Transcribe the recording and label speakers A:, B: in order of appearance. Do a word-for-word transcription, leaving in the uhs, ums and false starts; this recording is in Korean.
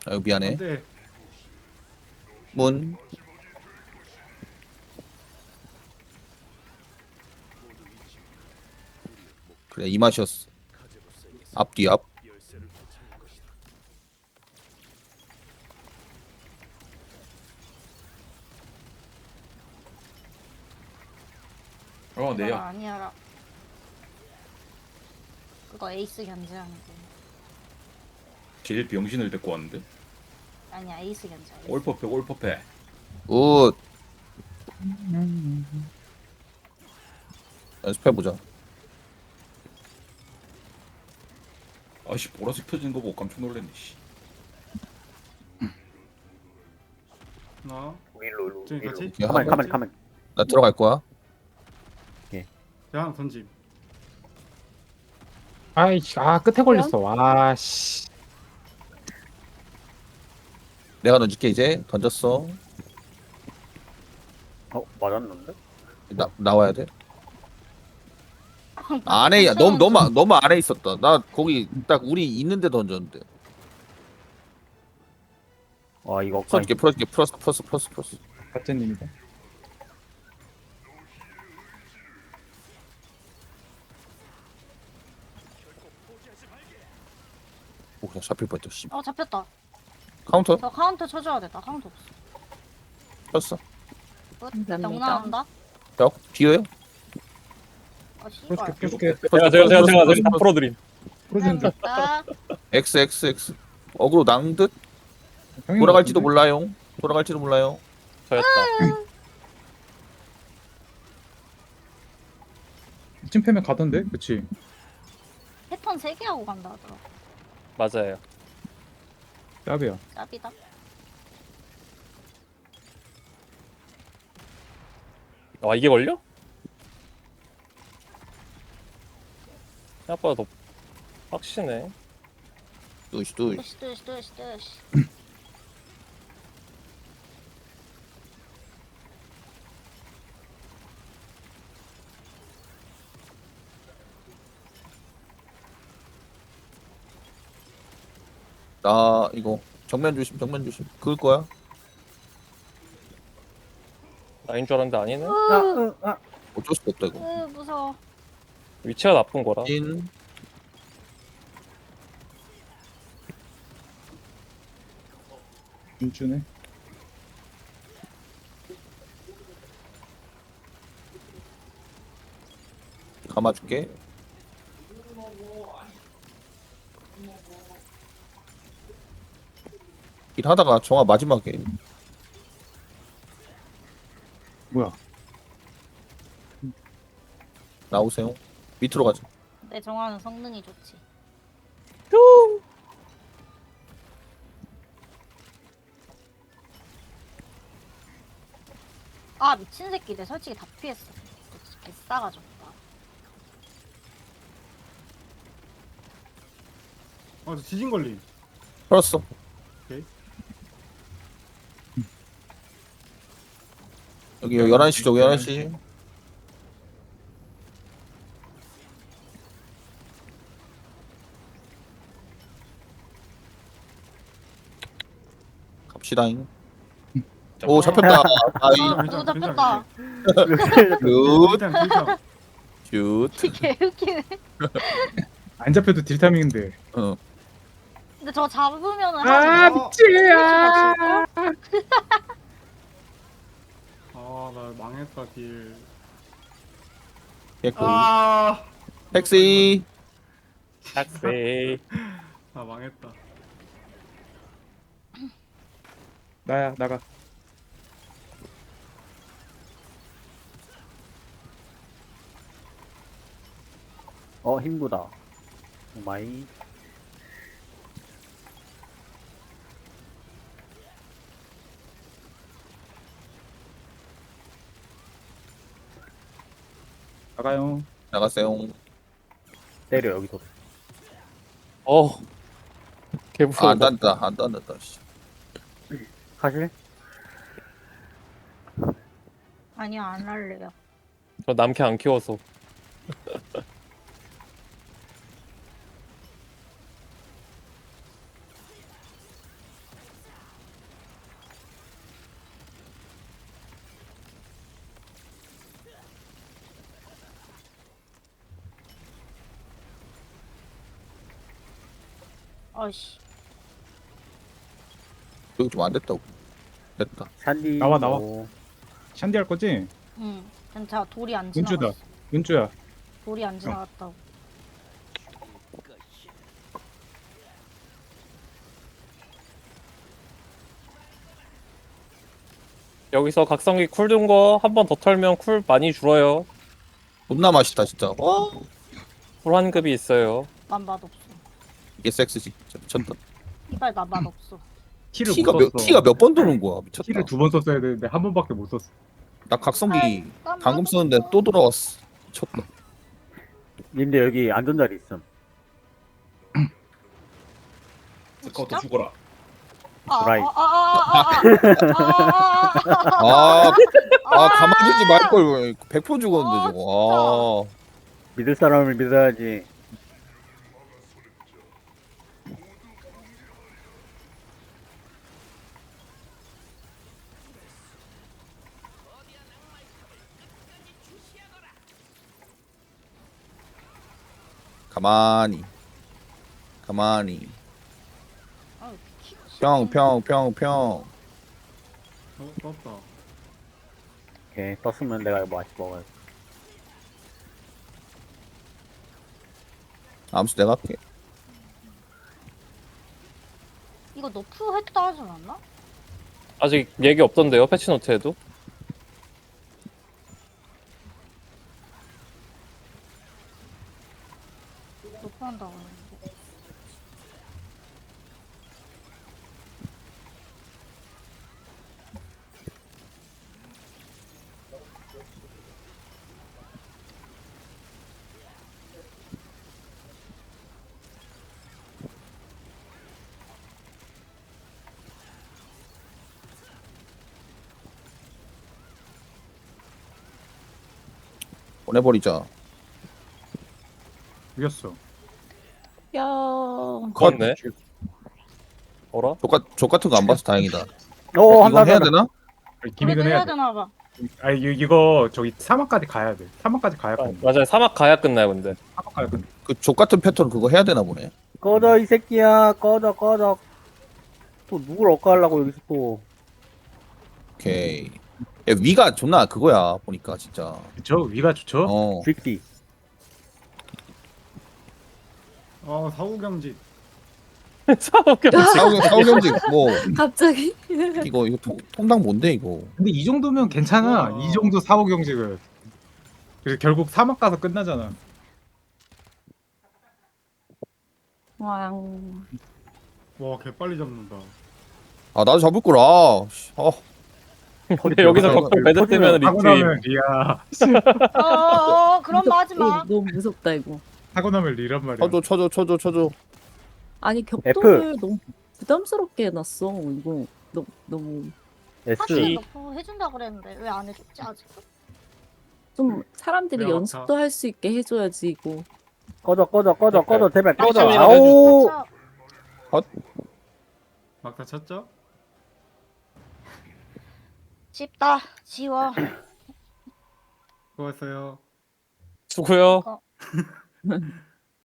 A: 아유 미안해.
B: 안돼.
A: 문. 그래 이 맛이었어. 앞뒤 앞.
C: 어
D: 그거
C: 내야.
D: 아니야라. 그거 에이스 견제하는 거.
C: 제일 병신을 데리고 왔는데.
D: 아니야 에이스 견제. 에이스.
C: 올퍼페 올퍼페.
A: 굿. 연습해보자.
C: 아씨 보라색 펴진 거 보고 깜짝 놀랐네. 씨.
B: 나
E: 일로 일로
B: 저기 같이?
E: 일로. 가만 가만 가만.
A: 나 들어갈 거야.
B: 제가 하나 던짐.
F: 아이, 아, 끝에 걸렸어. 와, 씨.
A: 내가 던질게 이제. 던졌어.
E: 어 맞았는데?
A: 나 나와야 돼. 안에 너무 너무 너무 안에 있었다. 나 거기 딱 우리 있는데 던졌는데.
E: 와 이거
A: 풀어줄게 풀어줄게 플러스 플러스 플러스 플러스.
F: 같은 님이다.
A: 오 그냥 잡힐 뻔했다. 씨.
D: 어 잡혔다.
A: 카운터
D: 저 카운터 쳐줘야 돼. 나 카운터 없어.
A: 쳤어.
D: 끝.
G: 감사합니다.
D: 영 나온다.
A: 벽 뒤에요.
D: 아 씨발.
F: 풀어줄게, 풀어줄게.
H: 제가 제가 제가 제가 제가 다 풀어드림.
F: 풀어준다.
D: 아,
A: X X X. 어그로 낭듯
F: 형이
A: 돌아갈지도
F: 같은데?
A: 몰라요. 돌아갈지도 몰라요.
H: 저였다.
F: 이쯤 패면 가던데? 그치?
D: 패턴 세 개 하고 간다 하더라.
H: 맞아요.
F: 짭이야.
D: 짭이다.
H: 아 이게 걸려? 생각보다 더 빡시네.
A: 뚜시 뚜시.
D: 뜨시 뜨시 뜨시 뜨시.
A: 나 이거 정면 조심 정면 조심. 그을 거야.
H: 나인 줄 알았는데 아니네.
E: 아으아
A: 어쩔 수가 없다 이거.
D: 으 무서워.
H: 위치가 나쁜 거라.
A: 인.
F: 준준해.
A: 감아줄게. 일하다가 정화 마지막에
F: 뭐야?
A: 나오세요. 밑으로 가자.
D: 내 정화는 성능이 좋지. 아 미친 새끼들 솔직히 다 피했어. 개싸가지고.
B: 아, 저 지진 걸림.
A: 풀었어.
B: 오케이.
A: 여기 열한 시 쪽 열한 시. 갑시다잉. 오 잡혔다. 아이
D: 아,
B: 괜찮아,
D: 또
B: 괜찮아,
D: 잡혔다.
A: 굿.
B: 일단 일단
A: 굿.
D: 개웃기네.
F: 안 잡혀도 딜 타밍인데.
A: 어.
D: 근데 저거 잡으면은
F: 아,
D: 하지.
F: 미치야!
B: 아, 나 망했다 딜.
A: 개꿀.
B: 아,
A: 택시.
H: 딱세.
B: 아 망했다.
F: 나야, 나가.
E: 어 힘구다. 오마이.
F: 나가요.
A: 나가세요.
E: 때려 여기서.
H: 어. 개
A: 아,
H: 무서워.
A: 안 딴다. 안 딴다. 씨.
E: 가실?
D: 아니요 안 할래요.
H: 저 남캐 안 키워서.
D: 아이씨.
A: 여기 좀 안 됐다고. 됐다.
E: 샨디.
F: 나와, 나와.
E: 오.
F: 샨디 할 거지?
D: 응. 괜찮아. 돌이 안
F: 은주다.
D: 지나갔어.
F: 은주야.
D: 돌이 안 지나갔다고.
H: 여기서 각성기 쿨 둔 거 한 번 더 털면 쿨 많이 줄어요.
A: 존나 맛있다 진짜. 어?
H: 쿨 한 급이 있어요.
D: 난 맛없어.
A: 이게 섹스지. 진짜 미쳤다.
D: 이발 나 맛없어.
F: 티를
A: 티가
F: 못
A: 몇
F: 썼어.
A: 티가 몇 번 도는 거야. 미쳤다.
F: 티를 두 번 썼어야 되는데 한 번밖에 못 썼어.
A: 나 각성기
D: 아이, 난
A: 방금
D: 맛없어.
A: 쓰는데 또 돌아왔어. 미쳤다.
E: 님들 여기 안전자리 있음.
C: 스카우트 죽어라.
D: 아,
E: 브라이.
D: 아, 아, 아, 아, 아, 아, 아,
A: 아, 아 가만히 두지 말걸. 백 퍼센트 죽었는데 저거. 아.
E: 믿을 사람을 믿어야지.
A: 가만히. 가만히.
D: 아, 키-
A: 평, 평, 평, 평.
B: 어, 떴다.
E: 오케이. 떴으면 내가 이거 맛있게 먹어야 돼.
A: 암수 내가 할게.
D: 이거 너프 했다 하지 않았나?
H: 아직 얘기 없던데요, 패치노트에도?
D: 너프 한다고 했는데.
A: 보내버리자.
F: 죽였어.
D: 야.
A: 컷.
H: 네 어라?
A: 족, 족 같은 거 안 봐서 다행이다.
E: 오, 한다,
A: 이건 해야
E: 한다.
A: 되나?
F: 기믹은
D: 해야
F: 해야 돼.
D: 되나 봐.
F: 아 이거, 이거 저기 사막까지 가야 돼. 사막까지 가야
H: 아,
F: 돼.
H: 맞아요. 사막 가야 끝나요, 근데.
F: 사막 가야 돼.
A: 그 족 같은 패턴 그거 해야 되나 보네.
E: 꺼져, 이 새끼야. 꺼져, 꺼져. 또 누굴 억까하려고 여기서 또.
A: 오케이. 야, 위가 존나 그거야 보니까 진짜.
F: 그쵸? 위가 좋죠?
A: 어.
E: 쥐끼.
B: 아, 사후경직.
H: 사막
A: 사우 사우경직 뭐
G: 갑자기?
A: 이거 이거 통, 통당 뭔데 이거.
F: 근데 이 정도면 괜찮아.
B: 와.
F: 이 정도 사고 경직은. 그래서 결국 사막 가서 끝나잖아.
G: 왕.
B: 와, 개빨리 잡는다.
A: 아 나도 잡을 거라. 아, 씨. 아,
H: 근데 여기서 격통 배제되면
F: 하고
H: 리트임.
F: 나면 리야.
D: 어, 어, 어, 그런 말 하지
G: 이거
D: 마.
G: 너무 무섭다 이거.
F: 하고 나면 리란 말이야.
A: 쳐줘 쳐줘 쳐줘 쳐줘.
G: 아니 격돌을 너무 부담스럽게 해놨어. 이거 너무 너무
E: S.
D: 사실 너프 해준다 그랬는데 왜 안 해줬지 아직도?
G: 좀 사람들이
B: 내가
G: 연습도 할 수 있게 해줘야지 이거.
E: 꺼져, 꺼져, 꺼져, 꺼져. 제발 꺼져.
H: 깜짝이야.
E: 아우.
B: 막다 쳤죠?
D: 집다 지워.
B: 수고했어요.
H: 수고요.
D: 어.